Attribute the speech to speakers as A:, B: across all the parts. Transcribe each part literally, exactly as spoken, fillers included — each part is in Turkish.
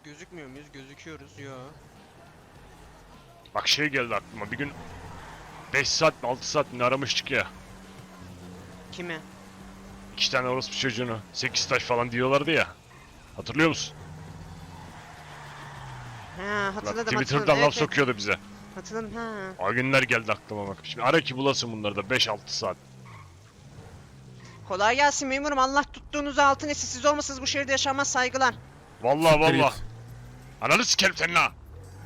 A: Gözükmüyor muyuz? Gözüküyoruz. Yo.
B: Bak şey geldi aklıma bir gün beş saat mi altı saat mi aramıştık ya.
A: Kime?
B: İki tane orospu çocuğunu sekiz taş falan diyorlardı ya. Hatırlıyor musun?
A: Ha
B: Bak,
A: hatırladım
B: Twitter'dan
A: hatırladım.
B: laf
A: Evet, evet.
B: sokuyordu bize.
A: Hatırladım ha.
B: O günler geldi aklıma bak. Şimdi ara ki bulasın bunları da beş altı saat.
A: Kolay gelsin memurum. Allah tuttuğunuzu altın etsin. Siz olmasanız bu şehirde yaşanmaz, saygılar.
B: Vallahi
C: Siktir
B: vallahi.
C: git.
B: Ananı sikerim senin ha.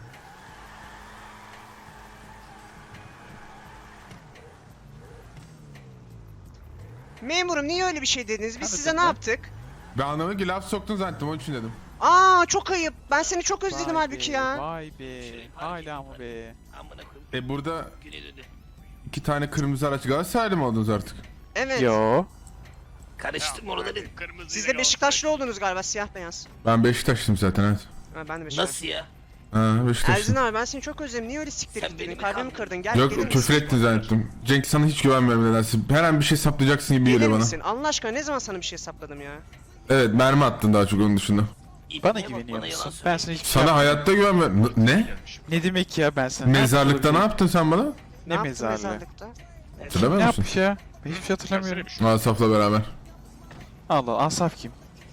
A: Memurum niye öyle bir şey dediniz? Biz
D: Tabii
A: size ne
D: tabii.
A: yaptık?
C: Ben anlamadım ki laf soktun zannettim onun için dedim.
A: Aa çok ayıp. Ben seni çok özledim
D: Vay
A: halbuki
D: be,
A: ya.
D: Vay be. Hala mı be?
C: E burada iki tane kırmızı araç Galatasaraylı mı oldunuz artık?
A: Evet.
D: Yo.
E: Karıştım oraları.
A: Siz de Beşiktaşlı oldunuz galiba, siyah beyaz.
C: Ben Beşiktaşlıyım zaten evet.
A: Ha, ben de Beşiktaşlı.
E: Nasıl ya?
C: Ha
A: Erzin
C: Beşiktaşlıyım.
A: abi ben seni çok özledim. Niye öyle siktir
E: Sen
A: gittin?
E: beni mi
A: Kalbimi
E: kandırdın?
A: kırdın. Gel gelir
C: Yok
A: misin?
C: küfür ettin zannettim. Cenk sana hiç güvenmiyorum nedense. Her an bir şey saplayacaksın gibi
A: Gelir
C: geliyor bana.
A: misin? Allah aşkına ne zaman sana bir şey sapladım ya?
C: Evet mermi attın daha çok onun dışında.
D: Bana
E: İbneye bak,
D: güveniyor
E: bana yalan
D: musun? Ben
E: söylüyor.
D: sana hiçbir şey
C: Sana
D: yapmadım.
C: hayatta güvenmiyorum. N- Ne?
D: Ne demek ya ben sana?
C: Mezarlıkta ne
D: yaptın?
C: yaptın sen bana?
D: Ne
A: yaptın
D: mezarlığı?
A: mezarlıkta?
C: Hatırlamıyor
D: Ne
C: musun?
D: yapmış ya? Ben hiçbir şey hatırlamıyorum.
C: Asaf'la beraber.
D: Allah Allah, Asaf kim?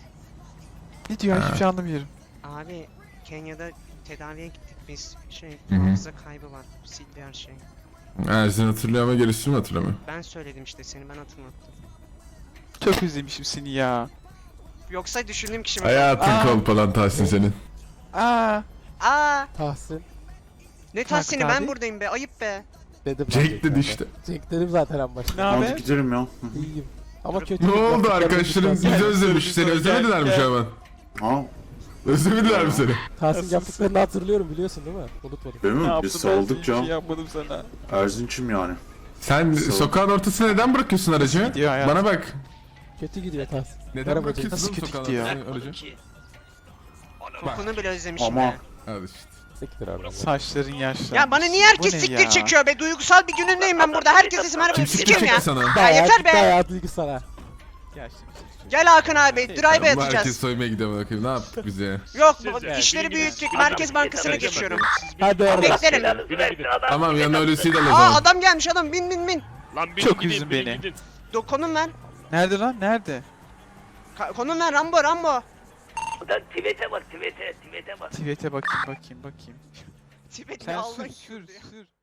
D: Ne diyor? Hiçbir şey anlamıyorum.
A: Abi Kenya'da tedaviye gittik biz. Şey
C: Hı hı.
A: hafıza kaybı var. Sildi her şey.
C: Ersin hatırlıyor ama gerisini mi hatırlamıyor?
A: Ben söyledim işte, seni ben hatırlattım.
D: Çok özlemişim seni ya.
A: Yoksa düşündüğüm kişi mi?
C: Hayatın
D: Aa.
C: kolpalan Tahsin senin.
D: Aa.
A: Aa,
F: Tahsin
A: ne
D: Kalk
A: tahsini, ben
D: abi.
A: buradayım be, ayıp be.
F: dedim.
C: Cenk
F: ben
C: dedi
F: de.
C: işte.
F: Cenk dedim zaten en
D: Ne
F: başta.
D: haber?
G: Hadi gidelim ya.
F: İyiyim. Ama kötü.
C: Ne oldu arkadaşlarım bizi özlemiş. Seni özlemediler mi şu an?
G: Ha,
C: Özlemediler mi seni?
F: Tahsin yaptıklarını hatırlıyorum biliyorsun değil mi? Unutmadım.
G: değil
D: Ne
G: mi?
D: yaptın?
G: Biz
D: Ben
G: saldık
D: hiçbir
G: ya.
D: şey yapmadım sana.
G: Erzinç'im yani.
C: Sen
G: Sağ ol.
C: sokağın ortasına neden bırakıyorsun aracı?
D: gidiyor hayat?
C: Bana bak.
F: Kötü gidiyor Tahsin.
C: Neden
F: Merhaba
C: bırakıyorsun
D: Nasıl
C: oğlum
D: kötü
C: sokağın
D: gidiyor?
C: ortasına
E: Bırakmadım
C: aracı?
E: ki.
A: Kokunu bile özlemişim
G: Ama
A: be.
C: Hadi işte.
F: Siktir oradan.
D: Saçların yaşlı.
A: Ya bana niye herkes
D: Bu ne
A: siktir
D: ya?
A: çekiyor be? Duygusal bir günündeyim ben burada. Herkes isim
C: Kim
A: arabada
C: siktir
A: sikeyim ya.
C: çekti sana?
A: Ya
F: Bayağı
A: yeter
F: gitti
A: be.
F: Hayatı duygu sana.
D: Yaşlı bir şey.
A: Gel Hakan abi, drive
C: Bu herkes
A: atacağız.
C: soymaya gidiyor bakayım. Ne yaptık biz ya?
A: Yok,
B: Siz
A: bu
B: de.
A: işleri
B: Bilginiz-
A: büyüttük. Merkez Bankası'na geçiyorum.
F: Hadi oradan.
A: Beklerim.
E: Belanızı
B: Güle
E: versin
B: güle.
E: adam.
C: Tamam yanına ölüsüyle de o
A: Aa
C: zaman.
A: adam gelmiş, adam bin bin bin.
B: Lan
D: Çok
B: gidin,
D: üzdün
B: bilin
D: beni.
B: gidin.
A: Do konum ver.
D: Nerede lan? Nerede?
A: Ka- konum ver Rambo Rambo.
E: Ulan tweet'e bak tweet'e tweet'e bak.
D: Tweet'e bakayım bakayım bakayım.
A: Tibet'le
D: Sen
A: Allah
D: sür sür sür.